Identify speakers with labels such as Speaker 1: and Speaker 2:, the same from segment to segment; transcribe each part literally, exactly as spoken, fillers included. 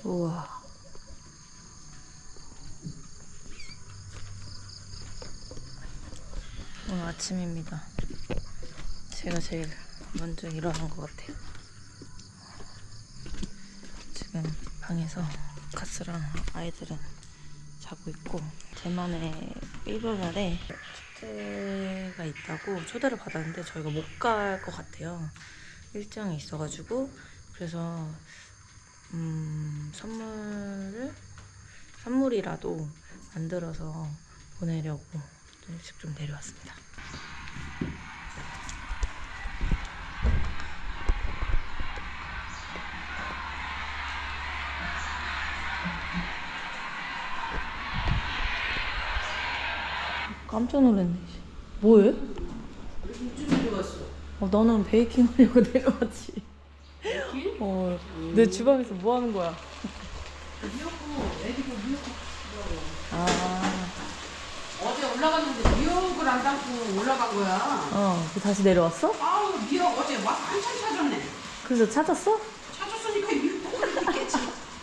Speaker 1: 우와. 오늘 아침입니다. 제가 제일 먼저 일어난 것 같아요. 지금 방에서 가스랑 아이들은 자고 있고, 대만에 일월날에 축제가 있다고 초대를 받았는데 저희가 못 갈 것 같아요. 일정이 있어가지고. 그래서 음, 선물을 선물이라도 만들어서 보내려고 좀 일찍 좀 내려왔습니다. 깜짝 놀랐네. 뭐해?
Speaker 2: 일찍 내려왔어.
Speaker 1: 어, 나는 베이킹 하려고 내려왔지.
Speaker 2: 베이킹?
Speaker 1: 어, 음. 내 주방에서 뭐 하는 거야?
Speaker 2: 미역국, 애기도 미역국 주더라고.
Speaker 1: 아,
Speaker 2: 어제 올라갔는데 미역을 안 담고 올라간 거야.
Speaker 1: 어, 그 다시 내려왔어?
Speaker 2: 아우, 미역 어제 막 한참 찾았네.
Speaker 1: 그래서 찾았어?
Speaker 2: 찾았으니까 미역국을 있겠지.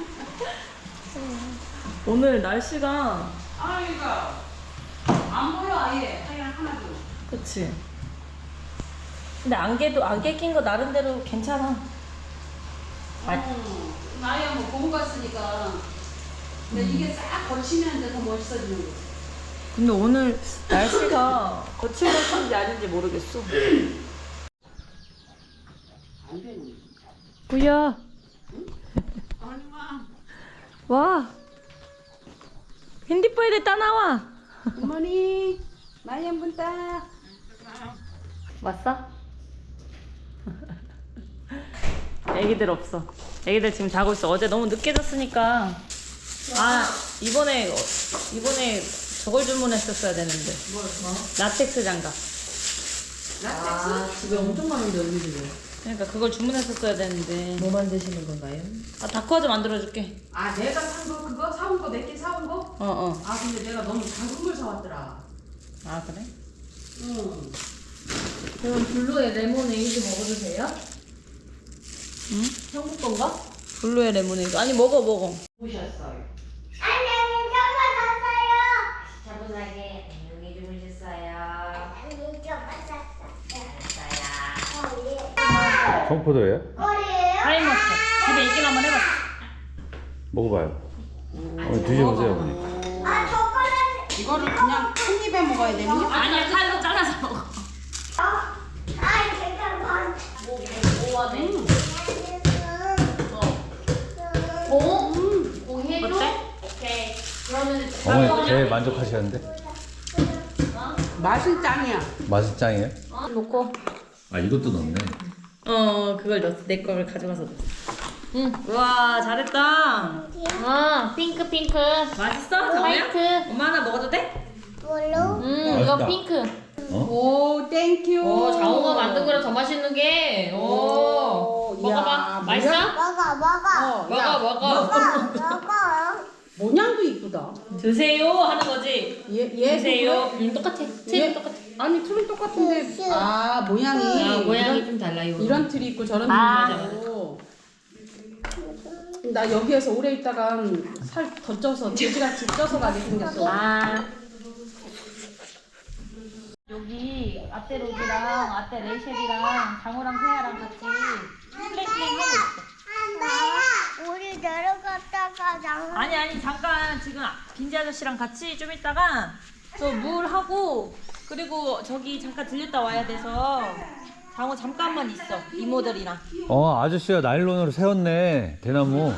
Speaker 1: 오늘 날씨가,
Speaker 2: 아, 이거 안 보여, 아예. 하얀 하나도.
Speaker 1: 그치? 근데 안개도, 안개 낀 거 나름대로 괜찮아. 아,
Speaker 2: 어, 나야 뭐 보고 갔으니까. 근데
Speaker 1: 음.
Speaker 2: 이게 싹 걸치면 이제 더 멋있어지는 거.
Speaker 1: 근데 오늘 날씨가 거칠 것인지 아닌지 모르겠어.
Speaker 2: 안 되는.
Speaker 1: 구야,
Speaker 2: 얼마?
Speaker 1: 와. 핸디폰에 따나와.
Speaker 2: 어머니, 많이 한 분 따.
Speaker 1: 왔어? 애기들 없어. 애기들 지금 자고 있어. 어제 너무 늦게 잤으니까. 아, 이번에 이번에 저걸 주문했었어야 되는데.
Speaker 2: 뭘, 뭐?
Speaker 1: 라텍스 장갑.
Speaker 2: 라텍스?
Speaker 3: 집에 엄청 많은데 언니들이
Speaker 1: 그러니까 그걸 주문했었어야 되는데.
Speaker 3: 뭐 만드시는 건가요?
Speaker 1: 아, 다크화즈 만들어줄게.
Speaker 2: 아, 내가 산 거 그거 사온 거 몇 개 사온 거?
Speaker 1: 어, 어.
Speaker 2: 아, 근데 내가 너무 작은 걸 사왔더라.
Speaker 1: 아, 그래?
Speaker 2: 응.
Speaker 3: 그럼 블루에 레모네이드 먹어도 돼요?
Speaker 1: 응?
Speaker 3: 한국 건가?
Speaker 1: 블루의 레모네이드. 아니, 먹어, 먹어.
Speaker 2: 보셨어요.
Speaker 4: 안녕히 주무셨어요.
Speaker 3: 차분하게 안녕히 주무셨어요.
Speaker 4: 안녕히 주무셨어요.
Speaker 3: 알았어요.
Speaker 5: 청포도예요?
Speaker 4: 꼬리예요?
Speaker 1: 타임머스켓. 집에 있긴 한번 해봤어.
Speaker 5: 먹어봐요. 어, 드셔보세요, 어머니.
Speaker 4: 아, 초콜릿.
Speaker 2: 이거를 그냥 한 입에 먹어야 되니?
Speaker 1: 아니야, 칼로 잘라서 먹어.
Speaker 4: 아, 잠깐만.
Speaker 3: 오하네.
Speaker 4: 어?
Speaker 3: 오? 오 해줘?
Speaker 1: 어때?
Speaker 3: 오케이. 그러면
Speaker 5: 어머니 제일 만족하시는데?
Speaker 2: 맛은 짱이야.
Speaker 5: 맛은 짱이에요?
Speaker 1: 놓고.
Speaker 5: 아, 이것도 넣네.
Speaker 1: 어, 그걸 넣었어. 내 거를 가져가서 넣었어. 응. 와, 잘했다.
Speaker 3: 아 핑크 핑크.
Speaker 1: 맛있어? 정우야?
Speaker 3: 화이트.
Speaker 1: 엄마 하나 먹어도 돼?
Speaker 4: 뭘로?
Speaker 3: 음
Speaker 5: 맛있다.
Speaker 3: 이거 핑크.
Speaker 5: 어?
Speaker 2: 오, 땡큐.
Speaker 3: 오 장호가 만든 거랑 더 맛있는 게. 오.
Speaker 2: 오,
Speaker 3: 먹어봐.
Speaker 2: 야,
Speaker 3: 맛있어?
Speaker 4: 먹어, 먹어.
Speaker 2: 어,
Speaker 3: 먹어
Speaker 2: 야,
Speaker 3: 먹어.
Speaker 4: 먹어, 먹어.
Speaker 2: 모양도 이쁘다.
Speaker 1: 드세요 하는 거지.
Speaker 2: 얘, 얘
Speaker 1: 드세요.
Speaker 3: 음 똑같아.
Speaker 2: 얘?
Speaker 3: 틀이 똑같아.
Speaker 2: 아니, 틀은 똑같은데. 아, 모양이.
Speaker 3: 아 모양이
Speaker 2: 이런,
Speaker 3: 좀 달라요.
Speaker 2: 이런 틀이 있고 저런
Speaker 1: 아.
Speaker 2: 틀이 있고. 나 여기에서 오래 있다가 살 더 쪄서 돼지같이 쪄서 가게 생겼어.
Speaker 1: 아. 여기 아떼로즈랑 아떼 레이셸이랑 장호랑 세아랑 같이 플랭플랭 하고 있어.
Speaker 4: 엄마, 우리 내려갔다가 장
Speaker 1: 아니 아니 잠깐 지금 빈지 아저씨랑 같이 좀 있다가 저 물 하고 그리고 저기 잠깐 들렸다 와야 돼서 장호 잠깐만 있어 이모들이랑.
Speaker 5: 어, 아저씨가 나일론으로 세웠네, 대나무.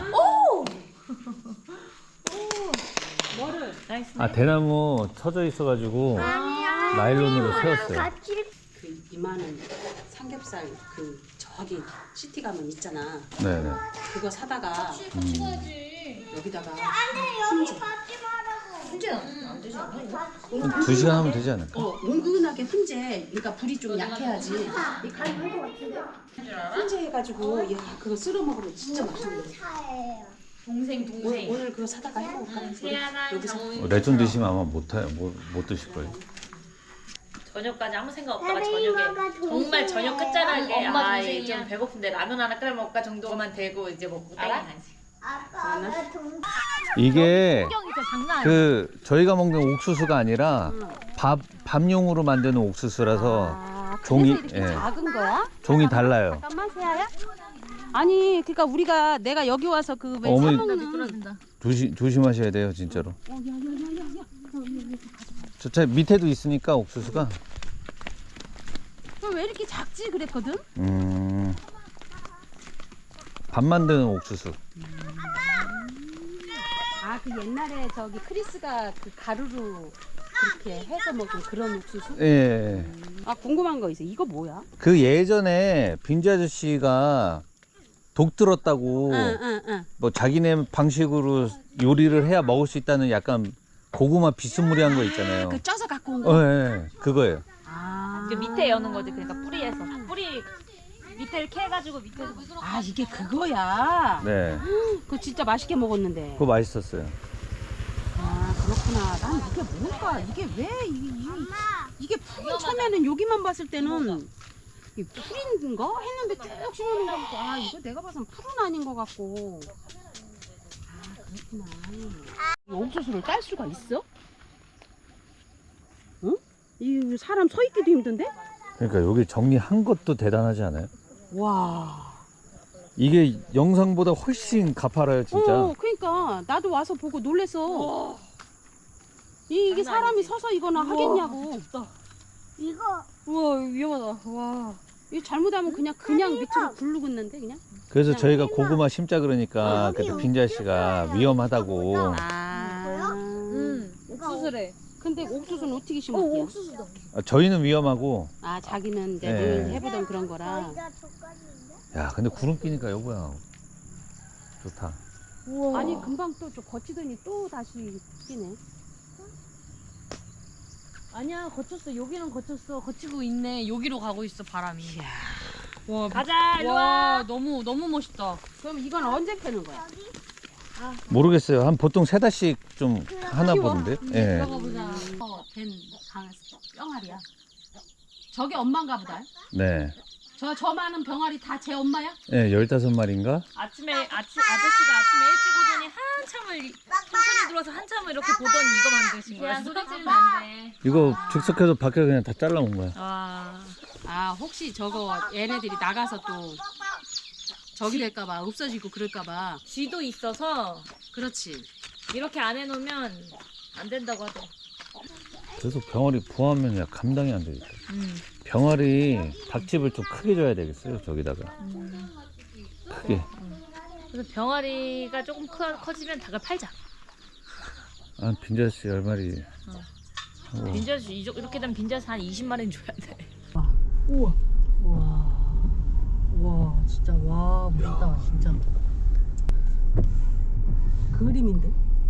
Speaker 1: 뭐를? 나이스.
Speaker 5: 아, 대나무 쳐져 있어가지고 나일론으로 세웠어요.
Speaker 4: 같이
Speaker 2: 그 이만한 삼겹살 그 저기 시티 가면 있잖아.
Speaker 5: 네네.
Speaker 2: 그거 사다가 여기다가
Speaker 4: 아니 여기 받지 말라고.
Speaker 3: 훈제는 안 되지 않아? 이거?
Speaker 5: 한 두 시간 하면 되지 않을까?
Speaker 2: 어, 은근하게 훈제. 그러니까 불이 좀 약해야지. 이 칼이 할것 같은데. 훈제 해가지고 야 그거 쓸어 먹으면 진짜 맛있는데.
Speaker 4: 차예요.
Speaker 3: 동생
Speaker 2: 오늘,
Speaker 3: 동생.
Speaker 2: 오늘 그거 사다가 해먹을까?
Speaker 3: 세아랑
Speaker 2: 여기서.
Speaker 3: 장호.
Speaker 5: 어, 레전 드시면 아마 못, 하, 못, 못 드실 거예요.
Speaker 1: 저녁까지 아무 생각 없다가
Speaker 4: 선생님,
Speaker 1: 저녁에
Speaker 4: 엄마가
Speaker 1: 정말 저녁 끝자락에
Speaker 3: 엄마
Speaker 1: 아,
Speaker 3: 동생이야.
Speaker 1: 이제 좀 배고픈데 라면 하나 끓여 먹을까 정도만 되고 이제 먹고
Speaker 3: 알아?
Speaker 1: 땡이 나지.
Speaker 4: 아빠 왜 동?
Speaker 5: 이게
Speaker 1: 풍경이 진짜 장난 아니야.
Speaker 5: 그 저희가 먹는 옥수수가 아니라 밥 밥용으로 만드는 옥수수라서
Speaker 2: 아,
Speaker 5: 종이-
Speaker 2: 그래서 이렇게
Speaker 5: 예.
Speaker 2: 작은 거야?
Speaker 5: 종이 달라요.
Speaker 2: 잠깐만 세아야. 아니 그러니까 우리가 내가 여기 와서 그왜
Speaker 5: 어머니-
Speaker 2: 사먹는
Speaker 5: 조심 조심하셔야 돼요, 진짜로.
Speaker 2: 어, 야, 야, 야, 야, 야.
Speaker 5: 저 차 밑에도 있으니까 옥수수가.
Speaker 2: 그럼 왜 이렇게 작지 그랬거든?
Speaker 5: 음. 밥 만드는 옥수수.
Speaker 2: 아 그 옛날에 저기 크리스가 그 가루로 그렇게 해서 먹은 그런 옥수수?
Speaker 5: 예.
Speaker 2: 아 궁금한 거 있어. 이거 뭐야?
Speaker 5: 그 예전에 빈지 아저씨가 독 들었다고
Speaker 2: 응응응.
Speaker 5: 뭐 자기네 방식으로 요리를 해야 먹을 수 있다는 약간 고구마 비스무리한 거 있잖아요.
Speaker 2: 그 쪄서 갖고 온
Speaker 5: 어,
Speaker 2: 거.
Speaker 5: 예, 예. 그거예요.
Speaker 2: 아.
Speaker 1: 그 밑에 여는 거지. 그러니까 뿌리에서 뿌리 밑에를 캐가지고 밑에서.
Speaker 2: 아 이게 그거야.
Speaker 5: 네.
Speaker 2: 그거 진짜 맛있게 먹었는데.
Speaker 5: 그거 맛있었어요.
Speaker 2: 아 그렇구나. 난 이게 뭘까? 이게 왜 이게 이게, 이게 풀 처음에는 여기만 봤을 때는 이 풀인가 했는데 쭉 심어놓은 거 같고 아 이거 내가 봐선 풀은 아닌 것 같고. 아 그렇구나. 이 옥수수를 딸 수가 있어? 응? 이 사람 서 있기도 힘든데?
Speaker 5: 그러니까 여기 정리한 것도 대단하지 않아요?
Speaker 2: 와.
Speaker 5: 이게 영상보다 훨씬 가파라요, 진짜.
Speaker 2: 어, 그러니까 나도 와서 보고 놀랬어. 이, 이게
Speaker 1: 장난
Speaker 2: 사람이
Speaker 1: 아니지.
Speaker 2: 서서 이거나 하겠냐고.
Speaker 4: 이거
Speaker 1: 우와 위험하다. 와.
Speaker 2: 이거 잘못하면 그냥 그냥 밑으로 굴르겠는데 그냥.
Speaker 5: 그래서 저희가 고구마 심자 그러니까 그때 빈지 아저씨가 위험하다고.
Speaker 2: 아.
Speaker 1: 음. 옥수수래.
Speaker 2: 근데 옥수수는 어떻게 심었대요?
Speaker 1: 옥수수다.
Speaker 5: 아, 저희는 위험하고.
Speaker 2: 아 자기는 이제
Speaker 5: 네.
Speaker 2: 늘 해보던 그런 거라.
Speaker 4: 저희가 족간인데.
Speaker 5: 야, 근데 구름 끼니까 여보야. 좋다.
Speaker 1: 우와.
Speaker 2: 아니 금방 또 좀 거치더니 또 다시 끼네.
Speaker 3: 아니야 거쳤어. 여기는 거쳤어. 거치고 있네. 여기로 가고 있어 바람이.
Speaker 2: 이야.
Speaker 3: 와,
Speaker 1: 가자 일로
Speaker 3: 와
Speaker 1: 와.
Speaker 3: 너무 너무 멋있다.
Speaker 2: 그럼 이건 언제 캐는 거야?
Speaker 5: 모르겠어요. 한 보통 세 달씩 좀 하나
Speaker 2: 키워?
Speaker 5: 보는데.
Speaker 3: 음,
Speaker 5: 예.
Speaker 3: 들어가 보자.
Speaker 2: 어, 된 강, 병아리야. 저게 엄마인가 보다.
Speaker 5: 네.
Speaker 2: 저, 저 많은 병아리 다 제 엄마야?
Speaker 5: 예, 열다섯 마리인가?
Speaker 1: 아침에 아침 아저씨가 아침에 일찍 오더니 한참을 천천히 들어와서 한참을 이렇게 보더니 이거 만드신 거야.
Speaker 3: 야 소리 지르면 안 돼.
Speaker 5: 이거 즉석해서 밖에 그냥 다 잘라온 거야.
Speaker 1: 와.
Speaker 2: 아 혹시 저거 얘네들이 나가서 또 저기 될까봐 없어지고 그럴까봐.
Speaker 1: 쥐도 있어서
Speaker 2: 그렇지.
Speaker 1: 이렇게 안 해놓으면 안 된다고 하더라.
Speaker 5: 그래서 병아리 부화하면 야 감당이 안 되겠다.
Speaker 1: 음.
Speaker 5: 병아리 닭집을 좀 크게 줘야 되겠어요. 저기다가 크게.
Speaker 1: 그래서 병아리가 조금 커, 커지면 닭을 팔자.
Speaker 5: 한 빈자씨 열 마리. 하고.
Speaker 1: 빈자수 이렇게 되면 빈자수 한 이십 마리는 줘야 돼.
Speaker 3: 우와. 와. 와 진짜 와 멋있다 진짜.
Speaker 2: 그림인데?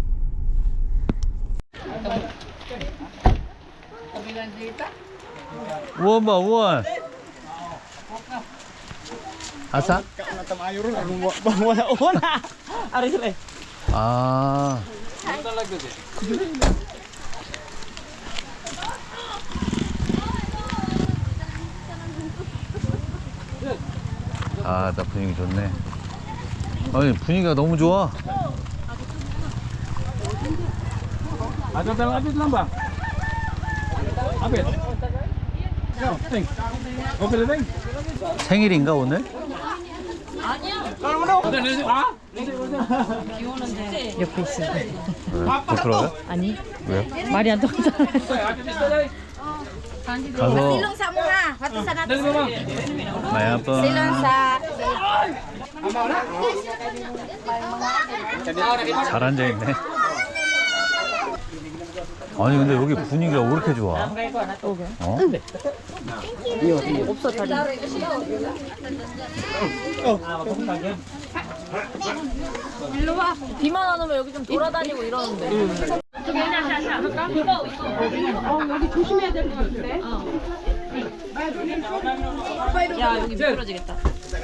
Speaker 5: 우원 봐 우원. 아사? 아. 아, 나 분위기 좋네. 아니, 분위기가 너무 좋아.
Speaker 6: Ada dalam habis lambang. Habis. Yo, ting. Oke, ting.
Speaker 5: 생일인가, 오늘?
Speaker 6: Kalau mana? Ada nasi. Ah?
Speaker 1: 옆에 있어.
Speaker 5: 왜? 부끄러워요?
Speaker 1: 아니
Speaker 5: 왜요?
Speaker 1: 말이 안 통하잖아.
Speaker 6: Ada di sana.
Speaker 5: 가서
Speaker 6: Dari mana?
Speaker 5: 마야 아빠 잘 앉아있네. 아니 근데 여기 분위기가 왜 이렇게 좋아? 어?
Speaker 1: 없어 다리. 일로 와. 비만 안 오면 여기 좀 돌아다니고 이러는데. 저기 샤샤. 이거 이거.
Speaker 2: 어 여기 조심해야 될 것 같은데?
Speaker 1: 야 여기 미끄러지겠다.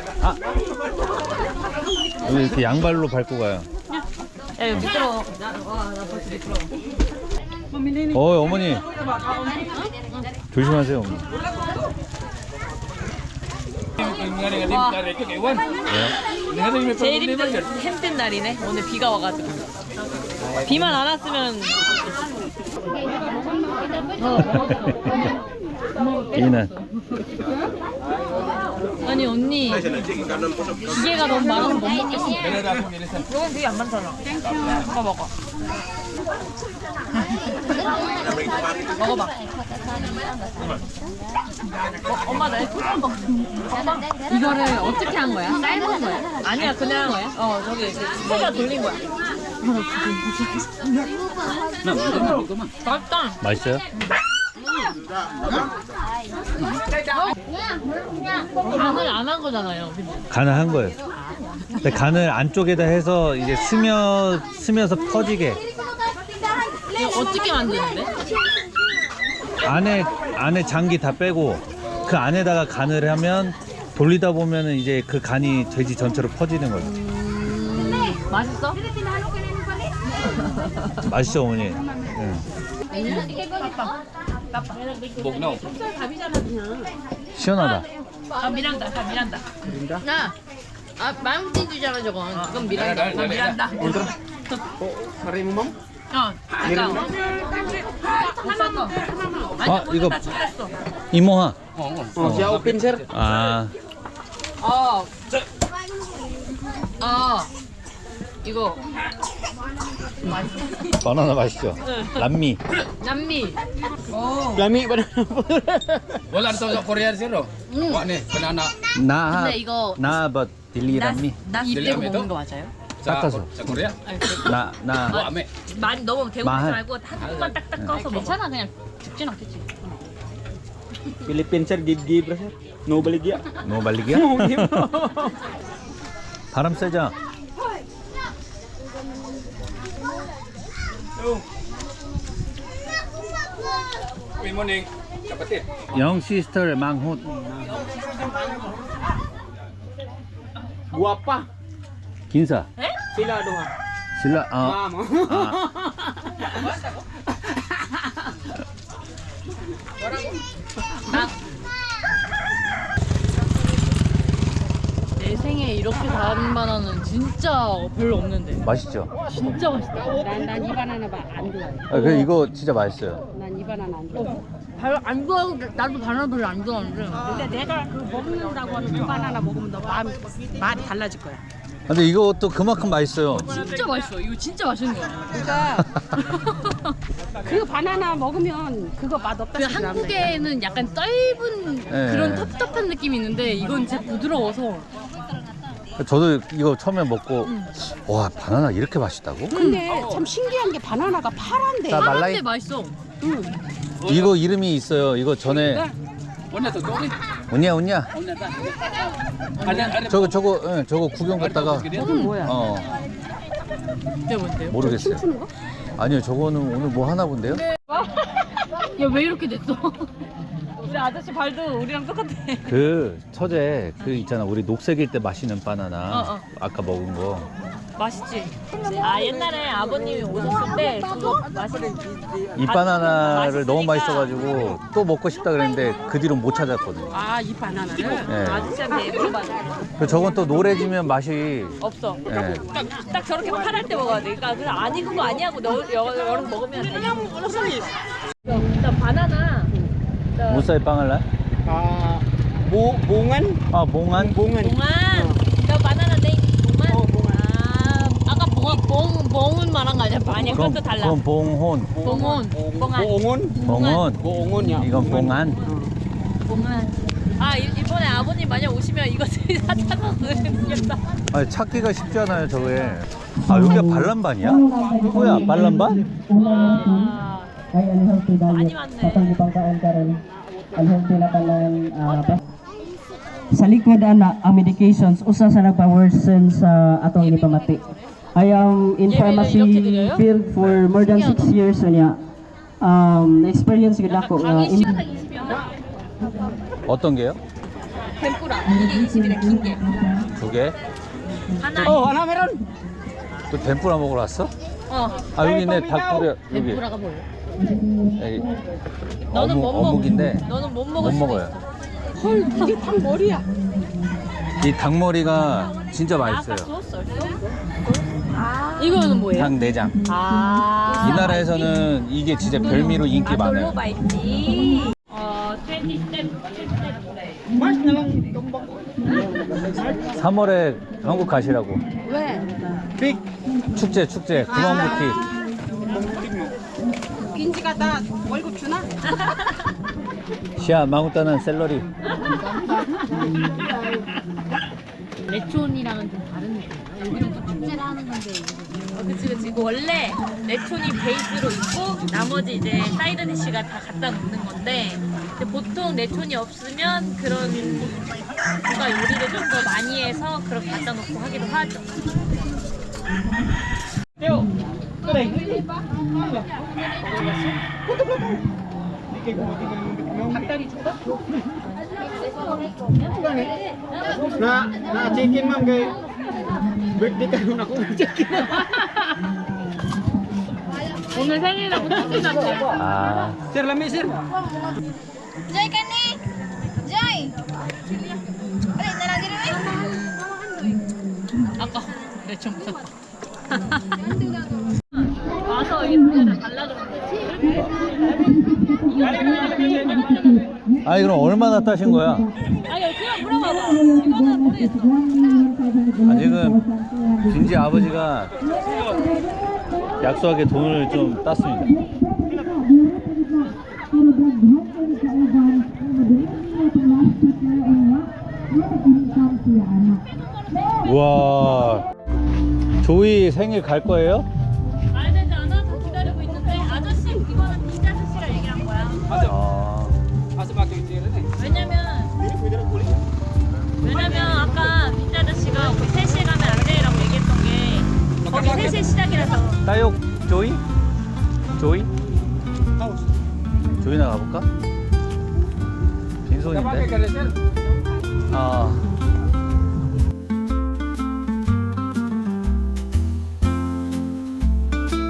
Speaker 5: 여기 이렇게 양발로 밟고 가요.
Speaker 1: 야 여기 미끄러워. 와나 벌써 미끄러워.
Speaker 5: 어 어머니 조심하세요 어머니.
Speaker 6: Dengan dengan tim dari itu Dewan.
Speaker 5: 왜요?
Speaker 1: 제일 힘든 힘든 날이네. 오늘 비가 와가지고. 비만 안 왔으면
Speaker 5: 이는
Speaker 1: 아니 언니 기계가 너무 많아서 못 먹겠어. 이건 되게 안 많잖아. 먹어 먹어. 먹어봐. 어, 엄마 나 이거 먹.
Speaker 3: 이거를 어떻게 한 거야? 삶은 거야?
Speaker 1: 아니야 그냥 어 저기 스테가 돌린 거야. 맛있다.
Speaker 5: 맛있어요?
Speaker 3: 간을 안 한 거잖아요.
Speaker 5: 간을 한 거예요. 근데 간을 안쪽에다 해서 이제 스며 스며서 퍼지게
Speaker 3: 이거 어떻게 만드는데?
Speaker 5: 안에 안에 장기 다 빼고 그 안에다가 간을 하면 돌리다 보면은 이제 그 간이 돼지 전체로 퍼지는 거예요.
Speaker 3: 맛있어?
Speaker 5: 맛있죠 어머니? 응. 시원하다.
Speaker 1: 아 미란다. 아 미란다.
Speaker 3: 야, 아 망치즈잖아 저건. 이건 미란다.
Speaker 1: 아 미란다.
Speaker 6: Hari mo, ma'am?
Speaker 1: 어. 그러니까. 하나만. 아니
Speaker 5: 아,
Speaker 1: 오늘
Speaker 5: 이거-
Speaker 1: 다 준비했어.
Speaker 5: 이모하.
Speaker 6: Oh, siya open, sir.
Speaker 5: 아
Speaker 3: 어. 어. 이거
Speaker 5: 바나나 맛있죠? 람미.
Speaker 3: 남미.
Speaker 6: Lami ba na? Wala ito sa Korea, sir. oh. Wa ni, banana.
Speaker 5: 나
Speaker 3: 근데 이거
Speaker 5: 나버 딜리 람미.
Speaker 3: 입대고
Speaker 6: 딜라미
Speaker 3: 먹는
Speaker 6: ito?
Speaker 3: 거 맞아요?
Speaker 6: Sa,
Speaker 5: Takaso.
Speaker 6: sa Korea?
Speaker 5: 나 나
Speaker 6: Wa, ame.
Speaker 1: 많이 너무 대고
Speaker 5: 마할.
Speaker 1: 말고 한 입만 딱딱 꺼서 먹어.
Speaker 3: 괜찮아 그냥 죽진 않겠지.
Speaker 7: Philippines sir, give give ra sir. No baligya.
Speaker 5: 뭐 말리기야? 바람 세자.
Speaker 6: Good morning, kapatid.
Speaker 5: 영 시스터 망훗.
Speaker 7: Guwapa.
Speaker 5: 긴사.
Speaker 7: Sila duha.
Speaker 5: 신라 아.
Speaker 7: Ma'am.
Speaker 3: 내 생에 이렇게 단 바나나는 진짜 별로 없는데.
Speaker 5: 맛있죠?
Speaker 3: 진짜 맛있다.
Speaker 2: 난 이 바나나 안 좋아해.
Speaker 5: 아, 그 이거 진짜 맛있어요.
Speaker 2: 난 이 바나나 안 좋아해.
Speaker 3: 별로 안 좋아하고 나도 바나나 별로 안 좋아하는데.
Speaker 2: 근데 내가 그 먹는다고 하는 그 바나나 먹으면 너 마음 말이 달라질 거야.
Speaker 5: 근데 이것도 그만큼 맛있어요.
Speaker 3: 진짜 맛있어. 이거 진짜 맛있는 거야.
Speaker 2: 그러니까 그 바나나 먹으면 그거 맛 없다.
Speaker 3: 그 한국에는 약간 떫은
Speaker 5: 네.
Speaker 3: 그런 텁텁한 느낌이 있는데 이건 진짜 부드러워서
Speaker 5: 저도 이거 처음에 먹고 와 바나나 이렇게 맛있다고?
Speaker 2: 근데 참 신기한 게 바나나가 파란데.
Speaker 5: 자, 말라이-
Speaker 3: 파란데 맛있어.
Speaker 5: 이거 이름이 있어요. 이거 전에
Speaker 6: Una to, Tony.
Speaker 5: 운냐 운냐.
Speaker 6: Una ta. Ada, ada.
Speaker 5: 저거 저거 응, 저거 구경 갔다가
Speaker 2: 저건 뭐야?
Speaker 5: 어
Speaker 3: 이게 뭔데요?
Speaker 5: 모르겠어요.
Speaker 2: 춤추는 거?
Speaker 5: 아니요 저거는 오늘 뭐 하나 본데요?
Speaker 3: 야 왜 이렇게 됐어?
Speaker 1: 우리 아저씨 발도 우리랑 똑같아.
Speaker 5: 그 처제 그 있잖아 우리 녹색일 때 마시는 바나나
Speaker 1: 어, 어.
Speaker 5: 아까 먹은 거
Speaker 1: 맛있지? 아 옛날에 아버님이 오셨을 때 그거 맛있는
Speaker 5: 이 바나나를 너무
Speaker 1: 맛있으니까.
Speaker 5: 맛있어가지고 또 먹고 싶다 그랬는데 그 뒤로 못 찾았거든요.
Speaker 2: 아, 이 바나나를?
Speaker 5: 예.
Speaker 1: 아저씨한테 물어봐줘.
Speaker 5: 그 저건 또 노래지면 맛이
Speaker 1: 없어.
Speaker 5: 예.
Speaker 1: 딱, 딱 저렇게 파랄 때 먹어야 돼. 그러니까 그냥 아니 그거 아니하고 너 여- 여름 먹으면 돼. 일단 바나나.
Speaker 5: 무사히 빵을 날?
Speaker 7: Ah, bu bungan.
Speaker 5: 아 몽안?
Speaker 7: Bungan.
Speaker 1: 봉안. 너 바나나 네. 봉안. 아
Speaker 3: 아까 봉, 봉, 봉은 말한 거 아니야?
Speaker 1: 아니야
Speaker 5: 그럼,
Speaker 1: 그것도 달라.
Speaker 5: 그럼 봉혼
Speaker 3: 봉은
Speaker 1: 봉안.
Speaker 7: Buongon.
Speaker 5: 봉혼
Speaker 7: Buongon ya.
Speaker 5: 이건 봉안
Speaker 1: 봉안. 아 일- 이번에 아버님 만약 오시면 이거 다 찾아서 드리겠다.
Speaker 5: 아니 찾기가 쉽지 않아요 저게. 아 여기가 발람반이야? 뭐야 발람반?
Speaker 1: 와.
Speaker 8: Ay unhealthy
Speaker 1: 많이
Speaker 8: diet
Speaker 1: 왔네.
Speaker 8: sa pang ipangkaon karon unhealthy na tanan ah, pa- sa likod ana ang medications usa sa nagpa-worsen sa atong gipamati. I am in
Speaker 1: Yemen
Speaker 8: pharmacy
Speaker 1: i렇게 드려요?
Speaker 8: field for more than six years unya. Um experience gid ako nga
Speaker 1: 강의 시간당 이십 명.
Speaker 5: 어떤 게요?
Speaker 1: 덴뿌라. 이게 이십 일에 긴 게.
Speaker 5: 두 개?
Speaker 1: 하나.
Speaker 7: Oh, ana meron.
Speaker 5: 또 덴뿌라 먹으러 왔어?
Speaker 1: 어.
Speaker 5: 아 여기 있네 닭뿌려 여기
Speaker 3: 덴푸라가 뭐예요?
Speaker 5: 여기
Speaker 1: 너는
Speaker 5: 어묵,
Speaker 1: 못 먹.
Speaker 5: 어묵인데
Speaker 1: 너는 못
Speaker 5: 못
Speaker 1: 먹을 수도
Speaker 5: 먹어요.
Speaker 1: 있어.
Speaker 2: 헐, 이게 딱 머리야.
Speaker 5: 이 닭머리가 진짜 맛있어요.
Speaker 3: 이거는 뭐예요?
Speaker 5: 닭 내장.
Speaker 3: 아.
Speaker 5: 이 나라에서는 이게 진짜 별미로 인기 많아요.
Speaker 1: 돌로바 있지. 어, 이십 스텝, 스텝.
Speaker 5: 삼월에 한국 가시라고.
Speaker 3: 왜?
Speaker 5: 축제 축제 구멍부티.
Speaker 2: 빈지가 나 월급 주나?
Speaker 5: 시아 망우따는 샐러리.
Speaker 3: 레촌이랑은 좀 다른 느낌. 여기는 또 축제를 하는 건데.
Speaker 1: 어, 그치, 그치. 이거 원래 레촌이 베이스로 있고, 나머지 이제 사이드 디쉬가 다 갖다 놓는 건데, 근데 보통 레촌이 없으면 그런 누가 요리를 좀 더 많이 해서 그렇게 갖다 놓고 하기도 하죠.
Speaker 7: Na, na chicken ma'am kay birthday karon ako chicken.
Speaker 3: 오늘 생일이라고 치킨 났대.
Speaker 5: 아
Speaker 7: Sir, lami sir.
Speaker 4: Joy ka ni! Joy! Balik na lang gini,
Speaker 3: 아까 레촌 샀다.
Speaker 1: 와서 이게 문제를 달라 그러는데.
Speaker 5: 아니 그럼 얼마나 따신 거야?
Speaker 1: 아니, 그냥 물어봐봐. 이거는 모르겠어.
Speaker 5: 아 지금 진지 아버지가 약소하게 돈을 좀 땄습니다. 우와 조이 생일 갈 거예요?
Speaker 1: 말 되지 않아서 기다리고 있는데, 아저씨, 이거는 빈자 아저씨랑 얘기한 거야.
Speaker 5: 아
Speaker 6: Asa ba kayo sir eh?
Speaker 1: 왜냐면, 왜냐면 아까 빈자 아저씨가 거의 세 시에 가면 안 돼라고 얘기했던 게, 거기 세 시에 시작이라서.
Speaker 5: 따욕 조이? 조이? 조이나 가볼까?
Speaker 6: Kapag
Speaker 5: 빈손인데?
Speaker 6: kayo sir.
Speaker 5: 아